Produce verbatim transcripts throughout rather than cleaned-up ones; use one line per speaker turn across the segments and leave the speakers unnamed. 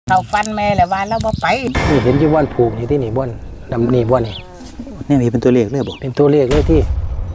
เขาฟันแม่แหละว่าเราบ่ไป
นี่เห็นที่บ้านผูกนี่ที่นี่บ้านดำนี่บ้านนี่
นี่มีเป็นตัวเลขเลยบ่
เป็นตัวเลขเลยที่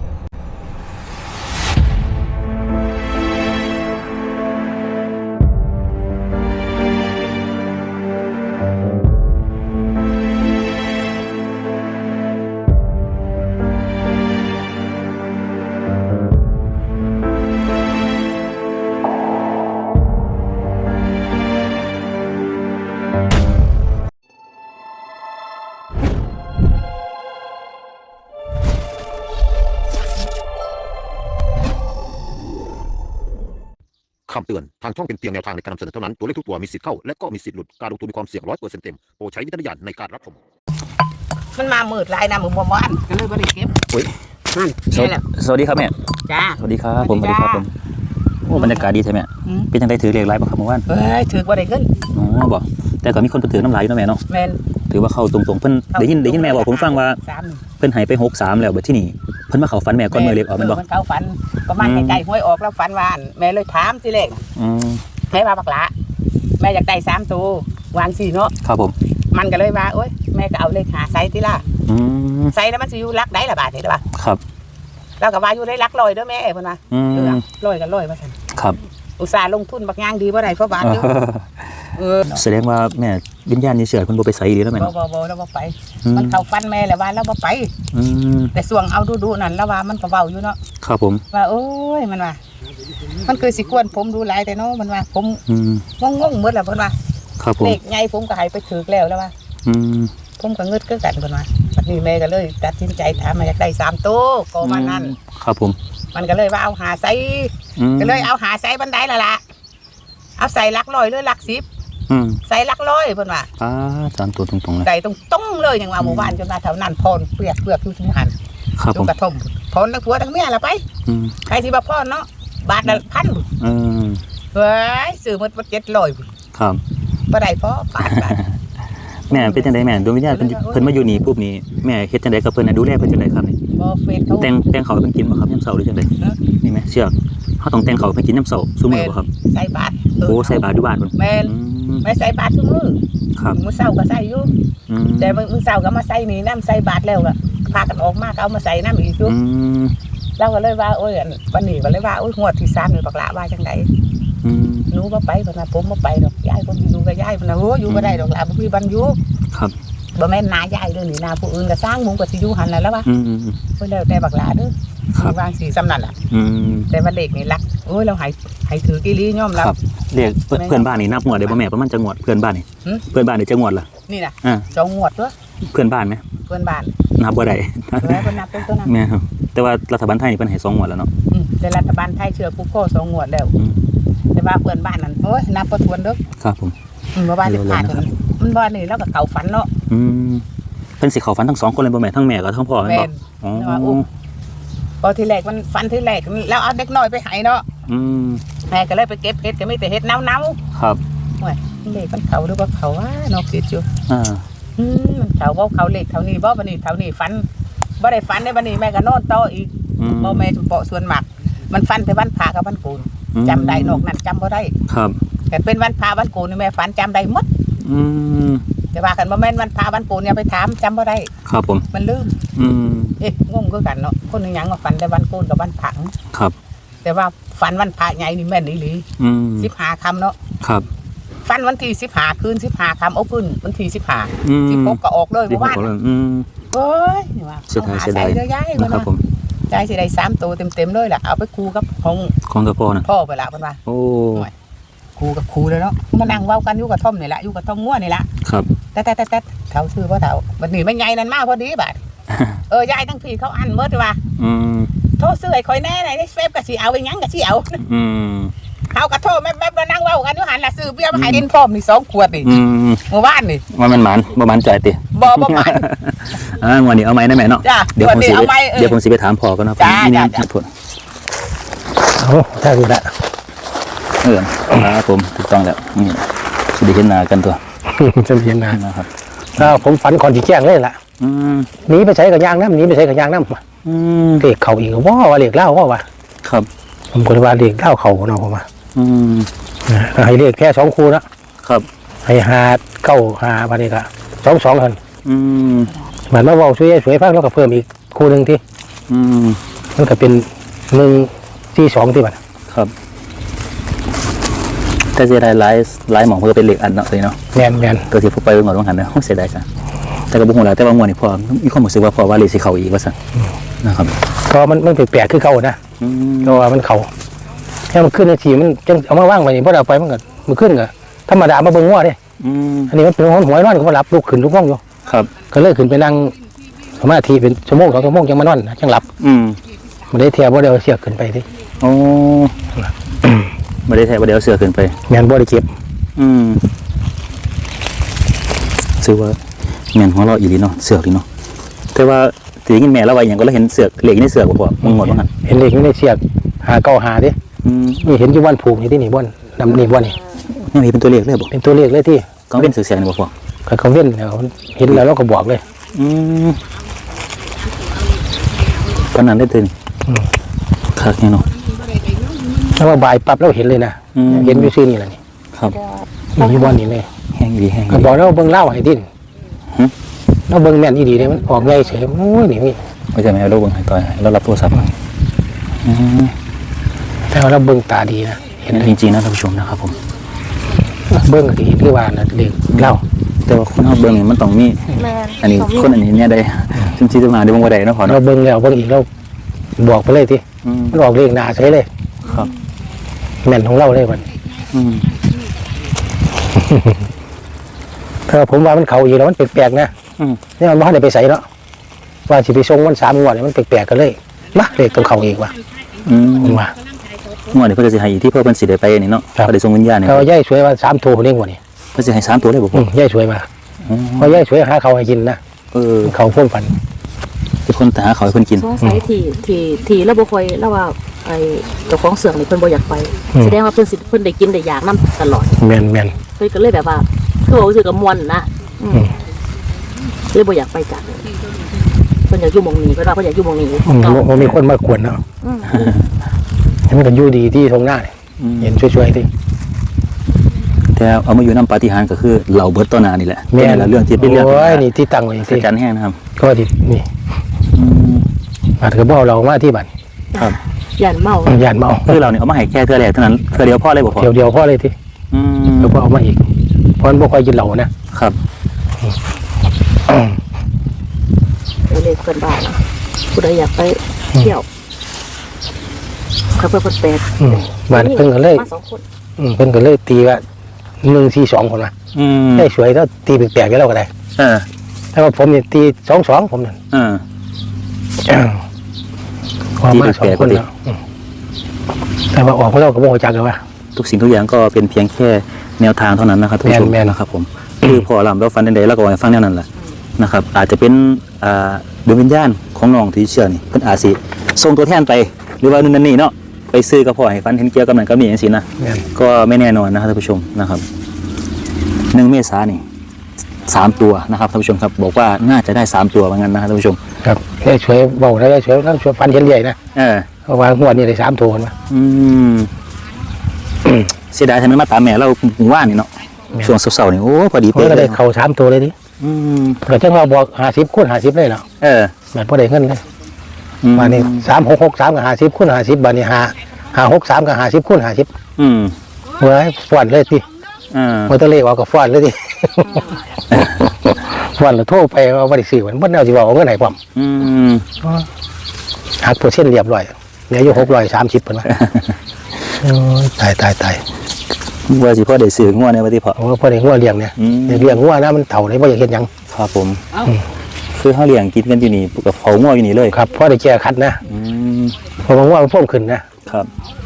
คำเตือนทางช่องเป็นเพียงแนวทางในการนำเสนอเท่านั้นตัวเลขทุกตัวมีสิทธิ์เข้าและก็มีสิทธิ์หลุดการลงทุนมีความเสี่ยงร้อยเปอร์เซ็นต์เต็มโปรดใช้วิจารณญาณในการรับชม
มันมามืดลายนะมือบ่วานก็เลยบ่ได้เก็บ
อุ้ย
นั่น
นี่แหละสวัสดีครับแม่
จ้า
สวัสดีครับผมสวัสดีครับผมโอ้บรรยากาศดีใช่ไหมเป็นจังไดถือเลขหลายบ่ครับเมื่อวาน
เอ้ยถือบ่ได้ขึ้น
อ๋อบ่แต่ก็มีคนไปถือน้ำลายอยู่นะแม่เนาะ
แม่น
ถือว่าเข้าตรงๆเพิ่นได้ยินได้ยินแม่บอกผมฟังว่าเพิ่นให้ไปหกสามแล้วบัดที่นี่เพิ่นมาเข้าฝันแม่ก่อนมื้อเลขออกแม่นบ่
เพิ่นเข้าฝันประมาณใกล้ๆหวยออกแล้วฝันว่าแม่เลยถามสิเลข
อืม
แม่ว่าบักหลาแม่อยากได้สามตัววางสี่เนาะ
ครับผม
มันก็เลยว่าโอ๊ยแม่ก็เอาเลขหาไซส์ติล่ะ
อืม
ไซส์แล้วมันสิอยู่รักได้ล่ะบาทนี่ล่ะบ่
ครับ
เราก็ว่าอยู่ได้รักร้อยเด้อแม่เพิ่นว่าเออร้อยก็ร้อยว่าซั่น
ครับ
อุตส่าห์ลงทุนบักย่างดีบ่ได้เพราะบาทอยู่
เออแสดงว่าแม่วิญญาณนี่เชื่อเพิ่นบ่ไปไสดีแล้วแม่
เนาะบ่ๆๆแล้วบ่ไปมันเข้าฟันแม่แล้วว่าแล้วบ่ไป
อืม
แต่ส่วงเอาดูๆนั่นแล้วว่ามันก็เว้าอยู่เนาะ
ครับผม
ว่าโอ้ยมันว่ามันคือสิกวนผมดูหลายแต่เนาะมันว่าผม
อืม
งงๆหมดแล้วเพิ่นว่า
ครับผม
เลขใหญ่ผมก็ให้ไปถึกแล้วแล้วว่า
อืม
ผมก็งึดคือกันเพิ่นว่าบัดนี้แม่ก็เลยตัดสินใจถามมาอยากได้สามตัวก็มานั่น
ครับผม
มันก็เลยว่าเอาหาใส่ก็เลยเอาหาใส่บันไดแล้วล่ะเอาใส่หลักร้อยหรือหลักสิบใส่หลักร้อยเพิ่นว่า
อ่าสามตัวตรงๆเลย
ใส่ตรงๆเลยอย่างว่าหมู่บ้านจนมาแถวนั้นพรเปลือกเปลือกอยู่ทุกหัน
ครับผม
กระทมพรทั้งผัวทั้งเมียละไปใครสิบ่พรเนาะบาทละพัน
อืม
เฮ้ยซื้อหมดเจ็ดร้อย
ครับ
บ่ได้พอปานบาท
แม่เป็นจังได๋แม่ดวงวิญญาณเพิ่นเพิ่นมาอยู่นี่ปุ๊บนี่แม่เฮ็ดจังได๋กับเพิ่นน่ะดูแลเพิ่นจังได๋ครับนี่
บ่เฟซเขา
แต่งแต่งเขาเพิ่นกินบ่ครับยามเช้าหรือจังได๋นี่แม่เชือกเฮาต้องแต่งเขาเพิ่นกินยามเช้าซุมื้อบ่ครับ
ใส่บาท
โอ้ใส่บาตรอยู่บ้านพุ่น
แม่นไม่ใส่บาตรซุมื้อ
ครับ
มื้อเช้าก็ใส่อยู่แต่มื้อเช้าก็มาใส่นี่น้ำใส่บาตรแล้วก็พากันออกมาก็เอามาใส่น้ำอีกอยู่เราก็เลยว่าโอ้ยวันนี้ก็เลยว่าโอ้ยงวดที่สามนี่บักละว่าจังได๋หนูบ่ไปเพิ่นว่าผมบ่ไปดอกยายผมอยู่กับยายเพิ่นน่ะโอ้อยู่บ่ได้ดอกล่ะบ่มีบันอยู่
ครับ
บ่แม่นนายายเด้อนี่นาผู้อื่นก็สร้างมุงก็สิอยู่หั่นน่ะแล้วว่า
อืม
ๆเพิ่นแล้วแต่บักละเด้อครับวางสิซำนั้นล่ะ
อืม
แต่ว่าเลขนี่ลักโอ้ยเราให้ให้ถืออีหลียอมรับ
ครับเลขเพื่อนบ้านนี่นับงวดได้บ่แม่ประมาณจักงวดเพื่อนบ้านนี่เพื่อนบ้านนี่จักงวดล่ะ
นี่น่ะอ่าสองงวดตัว
เพื่อนบ้านมั้ย
เพื่อนบ้าน
นับบ่ได้
เออเพิ่นนับเป็นตัวนั้น
แม่ครับแต่ว่ารัฐบาลไทยนี่เพิ่นให้สองงวดแล้วเนาะ
อืมแต่รัฐบาลไทยเชื่อปุ๊บก็สองงวดแล้วแต่ว่าเพื่อนบ้านนั่นโอ้ยนับบ่ถ้วนเด้อ
ครับผม
อืมบ่ว่าสิพลาดมันบ่นี่แล้วก็เข้าฝันเนาะ
อืมเพิ่นสิเข้าฝันทั้งสองคนเลยบ่แม่ทั้งแม่กับทั้งพ่อแม่นบ่
อ๋อพอทีแรกมันฝันทีแรกแล้วเอาเด็กน้อยไปให้เนาะ
อืม
แม่ก็เลยไปเก็บเห็ดก็มีแต่เห็ดเน่า
ๆครับ
โอ้ยเลขมันเข้าหรือบ่เข้าอ่ะเนาะคิดอยู่
อ่า
อืมมันเข้าบ่เข้าเลขเท่านี้บ่บัดนี้เท่านี้ฝันบ่ได้ฝันได้บัดนี้แม่ก็นอนต่ออีกบ่แม่เปาะส่วนมากมันฝันแต่วันพระกับวันโกนจำได้นอกนั้นจำบ่ได้
ครับ
แต่เป็นวันพระวันโกนนี่แม่ฝันจำได้หมด
อืม
แต่ว่าคันบ่แม่นวันพระวันโกนอย่าไปถามจำบ่ได้
ครับผม
มันลืม
อืม
เอ๊ะงงคือกันเนาะคนนึงหยังว่าฝันแต่วันโกนกับวันพระ
ครับ
แต่ว่าฝันวันพระใหญ่นี่แม่นอีหลี
อืม
สิบห้าค่ำเนาะ
ครับ
ฝันวันที่สิบห้าคืนสิบห้าค่ำเอาขึ้นวันที่สิบห้า
อืม
สิบหกก็ออกเลยเมื่อวาน
อืม
โอ้ยนี่ว่า
เสียดายเสียดาย
นะครับผมใจสิได้สามตัวเต็มๆเลยล่ะเอาไปคูกับของ
ของกับพ่อน่ะ
พ่อไปละเพิ่นว่า
โอ้
คูกับคูเลยเนาะมานั่งเว้ากันอยู่กับท่อมนี่ล่ะอยู่กับท่อมงัวนี่ล่ะ
ครับ
แต่ๆๆๆเฒ่าชื่อบ่เฒ่าบัดนี้แม่ใหญ่นั่นมาพอดีบาดเออยายทั้งพี่เขาอันหมดว่า
อืม
โทรซื้อให้ข่อยแน่ในเฟซก็สิเอาไปหยังก็สิเอา
อืม
เขาก็โทรแม่ๆมานั่งเว้ากันอยู่หั่นล่ะซื้อเบียร์มาให้กินพร้อมนี่สองขวดนี่
อืม
เมื่อวานนี่
ว่ามันหมานบ่หมานจ่อยติ
บ่บ่หมาน
อ่างวดนี้เอาไหมนะแม่เนาะเดี๋ยวผมสิเดี๋ยวผมสิไปถามพ่อกันเนาะ
นี่นะ
โอ้ใช่ดูละ
เออครับผมถูกต้องแล้วนี่สิได้เห็นหน้ากันตัว
จะเห็นหน้านะครับอ้าวผมฝันก่อนสิแจ้งเลยล่ะ
อืม
หนีไปใช้กับยางน้ำหนีไปใช้กับยางน้ำ
อืม
เลขเขาอีกว่าว่าเลขเล่าว่าว่า
ครับ
ผมก็เลยว่าเลขเล่าเขาเนาะผมว่า
อืม
ให้เลขแค่สองคู่นะครับให้หาเก้าหาบัดนี้ก็สองสองคน
อืม
เหมือนมาเว้าสวยสวยฟังแล้วก็เพิ่มอีกคู่หนึงที่
อืม
มันก็เป็นหนึ่งสี่สองที่บัด
ครับแต่เสียดายหลายหลายหมองเพื่อเป็นเหล็กอันเนาะเลยเนาะ
แม่นแม่น
ตัวที่พวกไปเมื่อวันหันนะเสียดายกันแต่ก็บ่ฮู้แหละแต่ว่างวดนี้พอมีความรู้สึกว่าพอว่าเลขสิเข้าอีกว่าซั่นนะครับ
ก็มันมันแปลกๆคือเก่านะ
อืม
ก็ว่ามันเขาแค่มันขึ้นในทีมันจังเอามาว่างไว้นี่พอเอาไปมันก็มันขึ้นก็ธรรมดามาเบิ่งงัวเด้
อืม
อันนี้มันเป็นหอนหวยนอนก็มาหลับลุกขึ้นลุกง่วงอยู่
ครับ
ก็เลยขึ้นไปนั่งสมาธิเป็นชั่วโมงสองชั่วโมงจังมานอนนะจังหลับ
อืม
บ่ได้เทียบบ่ได้เอาเสียกขึ้นไปที่
โอ้บ่ได้แท้บ่ได้เอาเสื้อขึ้นไป
แม่นบ่ได้เก็บ
อืมซื้อว่าแม่นหัวเราะอีหลีเนาะเสือกดีเนาะแต่ว่าสิได้ยินแม่เล่าว่าหยังก็เลยเห็นเสือกเหล็กในเสือกบ่พอมึงหมดว่าหั่น
เห็นเลขอยู่ในเสียกหาเก้าหาเด้
อืม
นี่เห็นอยู่วันผูกนี่ที่นี่บ่อนดำนี่บ่อนนี่
นี่มีเป็นตัวเลขเลยบ่
เป็นตัวเลขเลยที่
กังเว้นเสือกเสียงนี่บ่พอ
ก็เขาเว้นแล้วเห็นแล้วเราก็บอกเลย
อืมปานนั้นได้ตื่น
อืม
คักแน่เนาะ
แล้วว่าบ่ายปั๊บเราเห็นเลยนะ
อืม
เห็นอยู่ซื่อนี่แหละนี่
ครับ
นี่อยู่บ่อนนี่เลย
แห้งอีหลีแห้งอี
ก็
หลี
บอกแล้วเบิ่งเล่าให้ดิ้น
หึ
เราเบิ่งแม่นอีดีเลยมันออกใหญ่เฉยโอ้ยนี่นี่
ไม่ใช่แม่เอาลูกเบิ่งให้ต่อยให้เรารับโทรศัพท์มาอืม
แต่ว่าเราเบิ่งตาดีนะเห็น
เห็นจริงๆนะท่านผู้ชมนะครับผม
เบิ่งก็สิคือว่าน่ะเลขเล่า
แต่ว่าคนเฮาเบิ่งนี่มันต้องมี
แม่น
อันนี้คนอันนี้เนี่ยได้จริงๆจะมาได้บ่ว่าได้เนาะพอ
เรา
เนาะ
เบิ่งแล้วเบิ่งอีกเราบอกไปเลยที่
อืม
มันออกเลขหน้าเฉยเลย
ครับ
แม่นของเราเลยมัน
อืม
ถ้าผมว่ามันเขาอยู่แล้วมันแปลกๆนะ
อืม
นี่มันบ่ทันได้ไปใส่เนาะว่าสิไปส่งวันสามงวดเนี่ยมันแปลกๆกันเลยมาเลขต้องเข้าอีกว่ะ
อืม
ผมว่า
งวดนี้เพิ่นก็สิให้อีกที่เพิ่นเพิ่นสิได้ไปนี่เนาะ
ครับ
ก็ได้ส่งวิญญาณนี่
เขาย่ายสวยว่าสามโทเด้งกว่านี่
เพิ่นสิให้สามตัวเลยบ่
อื
พ่อ
มย่ายสวยมา
อืม
เพราะย่ายสวยหาเขาวให้กินนะ
เออ
เขาพ่นฝัน
เป็นคนแต่หาเขาวให้เพิ่นกิน
สงสัยที่ที่ที่แล้วบ่ค่อยแล้วว่าไอ้เจ้าของเสือกนี่เพิ่นบ่อยากไป แสดงว่าเพิ่นสิเพิ่นได้กินได้อยากนํตลอด
แม่นแม่น
เพิ่นก็เลยแบบว่าคือว่ารู้สึกกับมวนนะอืม
อืม
เลยบ่อยากไปจัดเพิ่นอยากอยู่หม่องนี้เพิ่นว่าเพิ่นอยากอยู่หม่องนี้
อืมบ่มีคนมากวนเนาะ
อืม
ให้มันก็อยู่ดีที่ตรงหน้าเนี่ย
อืม
เห็นช่วยๆที่
แต่เอามาอยู่น้ำปาฏิหาริย์ก็คือเหล่าเบิดต่อหน้านี่แหละเป็นนั่นแหละเรื่องที่เป็นเรื่อง
โอ้ยนี่ที่ตั้งไว้
สั
ที่
จจันแห้งนะครับ
ก็ที่นี่
อืม
อาจจะบ่เอาเรามาที่บ้าน
ครับ
ย่านเมา
ย่านเมา
คือเราเนี่ยเอามาให้แค่เทื่อแรกเท่านั้นเทื่อเดียวพอเลยบ่พอ
เที่ยวเดียวพอเลยที่
อืม
แล้วก็เอามาอีกเพราะมันบ่ค่อยกินเหล้านะ
ครับ
เดี๋ยวเลยเพิ่นบ้านนะผู้ใดอยากไปเที่ยวเขาเพิ่นเพิ่นแปด
อืมบ้านเพิ่นก็เลย
มาสองคน
อืมเพิ่นก็เลยตีว่าหนึ่งสี่สองคนว่า
อืม
ได้สวยแล้วตีแปลกๆกันแล้วก็ได้
เออ
แต่ว่าผมเนี่ยตีสองสองผมนั่น
เออ
ออกมาสองคนแล้วอืมแต่ว่าออกมาแล้วก็บ่รู้จักกันว่า
ทุกสิ่งทุกอย่างก็เป็นเพียงแค่แนวทางเท่านั้นนะครับทุกผู้ชม
แม่นๆ
นะครับผมคือพอลำเราฟันใดๆแล้วก็ให้ฟังแนวนั้นแหละนะครับ อาจจะเป็นอ่าดวงวิญญาณของน้องที่เชื่อนี่เพิ่นอาจสิส่งตัวแทนไปหรือว่านู่นนั่นนี่เนาะไปซื้อกับพ่อให้ฟันเห็นเกี่ยวกับนั้นก็มีอย่างสินะ
แม่น
ก็ไม่แน่นอนนะครับท่านผู้ชมนะครับหนึ่งเมษายนนี่สามตัวนะครับท่านผู้ชมครับบอกว่าน่าจะได้สามตัวเหมือนกันนะครับท่านผู้ชม
ครับได้สวยเบาได้สวยแล้วสวยฟันเห็นใหญ่นะ
เออ
เพราะว่างวดนี้ได้สามโทนมา
อืมเสียดายทำไมมาตามแม่เราหมู่บ้านนี่เนาะช่วงเสาร์ๆนี่โอ้พอดี
ผม
เป๊ะ
ก็
เล
ได้
ย
เข่าสามตัวเลยดิ
อืม
ก็จังว่าบอกห้าสิบคูณห้าสิบเลยเนาะ
เออ
แบบพอได้เงินเลย
อืม
บาทนี้สามหกหกสามกับห้าสิบคูณห้าสิบบาทนี้ห้าห้าหกสามกับห้าสิบคูณห้าสิบ
อืม
เมื่อให้ฟอนเลยที่
อ่า
มอเตอร์เลขออกกับฟอนเลยที่ ฟอนแล้วโทรไปว่าบริสื่อมันบ่แนวสิว่าเอาเงินให้ผม
อืม
หักเปอร์เซ็นต์เรียบร้อยเหลืออยู่หกร้อยสามสิบเพิ่นว่าโอ้ยตายตายตาย
ว่าสิพ่อได้ซื้องัวในวันที่พอ
โอ้พอได้งัวเลี้ยงเนี่ย
อืม
เลี้ยงงัวนะมันเฒ่าเลยบ่อยากเฮ็ดหยัง
ครับผมคือเขาเลี้ยงกินกันอยู่นี่กับเขางัวอยู่นี่เลย
ครับพอได้แก้คัดนะ
อืม
เพราะว่างัวมันเพิ่มขึ้นนะครับ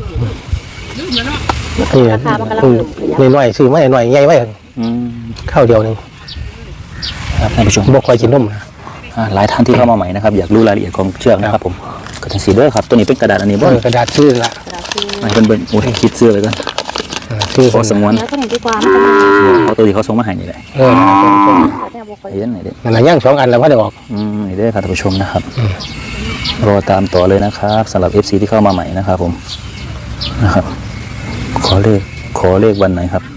นี่
ราคามันกำลังเริ่มขยับ
น้อยๆซื้อมาหน่อยๆใหญ่ไว้
อืม
ข้าวเดียวหนึง
ครับท่านผู้ชม
บ่ค่อยกินนมนะ
อ่าหลายท่านที่เข้ามาใหม่นะครับอยากรู้รายละเอียดของเชือกนะครับผมก็จังสีเด้อครับตัวนี้เป็นกระดาษอันนี้บ่
เออกระดาษชื่อละ
กระดาษคือ
ให้เพิ่นเบิ่งโอ้ยคิดเสื้อเลยกัน
เออชื่อ
ขอสงวน
แล้วก็นี่ดีกว่ามันก็มา
เอาตัวที่เขาส่งมาให้นี่แหละ
เออนั่นน่ะส่งส่ง
แต่บ่ค่อย
เห็นไหนเด้อ
นั่นน่ะย่างสองอันแล้วพอได้ออก
อืมนี่เด้อครับท่านผู้ชมนะครับรอตามต่อเลยนะครับสำหรับ เอฟ ซี ที่เข้ามาใหม่นะครับผมนะครับขอเลขขอเลขวันไหนครับ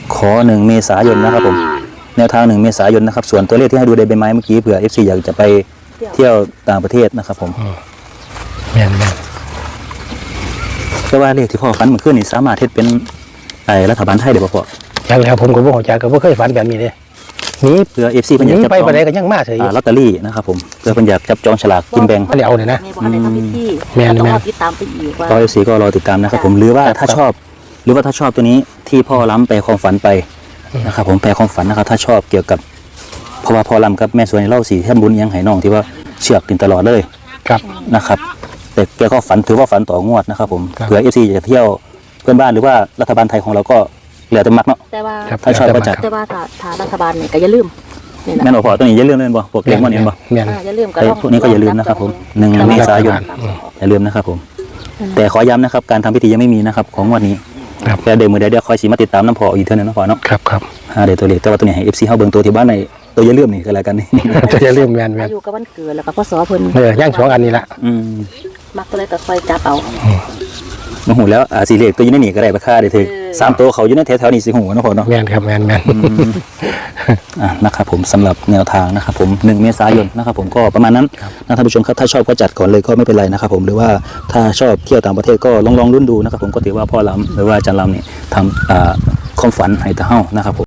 ขอหนึ่งเมษายนนะครับผมแนวทางหนึ่งเมษายนนะครับส่วนตัวเลขที่ให้ดูในใบไม้เมื่อกี้เผื่อ เอฟ ซี อยากจะไปเที่ยวต่างประเทศนะครับผม
แม่นแม่น
แต่ว่าเลขที่พ่อฝันเมื่อคืนนี่สามารถเฮ็ดเป็นไอ้รัฐบาลไทยได้บ่พ่อ
ยังแล้วผมก็บ่เข้าใจก็บ่เคยฝันแบบนี้เด้นี่
เพื่อ เอฟ ซี เพิ่นอยาก
นี่
จับ
ไป
จอง
บ่ได้ก็ยังมาเฉย
อ่าลอตเตอรี่นะครับผมเพื่อเพิ่นอยากจับจองฉลากกินแบ่ง
อันนี้เอาเนี่ยนะ
แม่บอกให้ทำพิธี
แม่น
ต้อง
แม่น
รอติดตามไปอีกว่า
ก็ เอฟ ซี ก็รอติดตามนะครับผมหรือว่าถ้าชอบ หรือว่าถ้าชอบตัวนี้ที่พ่อล้ำแปลความฝันไปนะครับผมแปลความฝันนะครับถ้าชอบเกี่ยวกับเพราะว่าพ่อล้ำกับแม่สวยเล่าสีแท่นบุญยังไหน้องที่ว่าเชือกตินตลอดเลย
ครับ
นะครับแต่แกก็ฝันถือว่าฝันต่องวดนะครับผม
ครับ
เผื่อ เอฟ ซี จะเที่ยวเพื่อนบ้านหรือว่ารัฐบาลไทยของเราก็เหลือแต่มักเนาะ
แต่ว่า
ครับ
ถ้าชอบก็จัด
แต่ว่าถ้าถ้ารัฐบาลเนี่ยก็อย่าลืมนี่นะ
แม่นบ่พอตัวนี้อย่าลืมเล่นบ่พวกเล็กมันเห็นบ่
แม่น
อ่าอย่าลืมก็
เอ้ย
ลอง
พวกนี้ก็อย่าลืมนะครับผมหนึ่งเมษายน อย่าลืมนะครับผม แต่ขอย้ำนะครับการทำพิธียังไม่มีนะครับของงวันนี้
ครับ
แต่เดี๋ยวมือเดี๋ยวเดี๋ยวคอยสีมาติดตามน้ำพออีกเท่านึงนะพอเนาะ
ครับครับ
หาเดี๋ยวตัวเลขแต่ว่าตัวนี้ให้ เอฟ ซี เฮาเบิ่งตัวที่บ้านในตัวอย่าลืมนี่คืออะไรกันนี่
จะจะเรื่องแม่นแม่
อาน ยุกับวันเกิดแล้วก็พศเพิ่น
เออย่างสองอันนี้ละ
อืม
มักก็เลยก็ค่อยจับเอา
โอ้โหแล้วอ่าสีเลขตัวอยู่ในนี่ก็ได้ราคาได้ถึง
เออ
สามตัวเขาอยู่ในแถวๆนี้สิหูเนาะพอเนาะ
แม่นครับแม่นแม่น
อ่ะนะครับผมสำหรับแนวทางนะครับผมหนึ่งเมษายนนะครับผมก็ประมาณนั้นนะท่านผู้ชมครับถ้าชอบก็จัดก่อนเลยก็ไม่เป็นไรนะครับผมหรือว่าถ้าชอบเที่ยวต่างประเทศก็ลองลองรุ่นดูนะครับผมก็ถือว่าพ่อล้ำหรือว่าอาจารย์ล้ำเนี่ยทำอ่าความฝันให้ตาเฮ้านะครับผม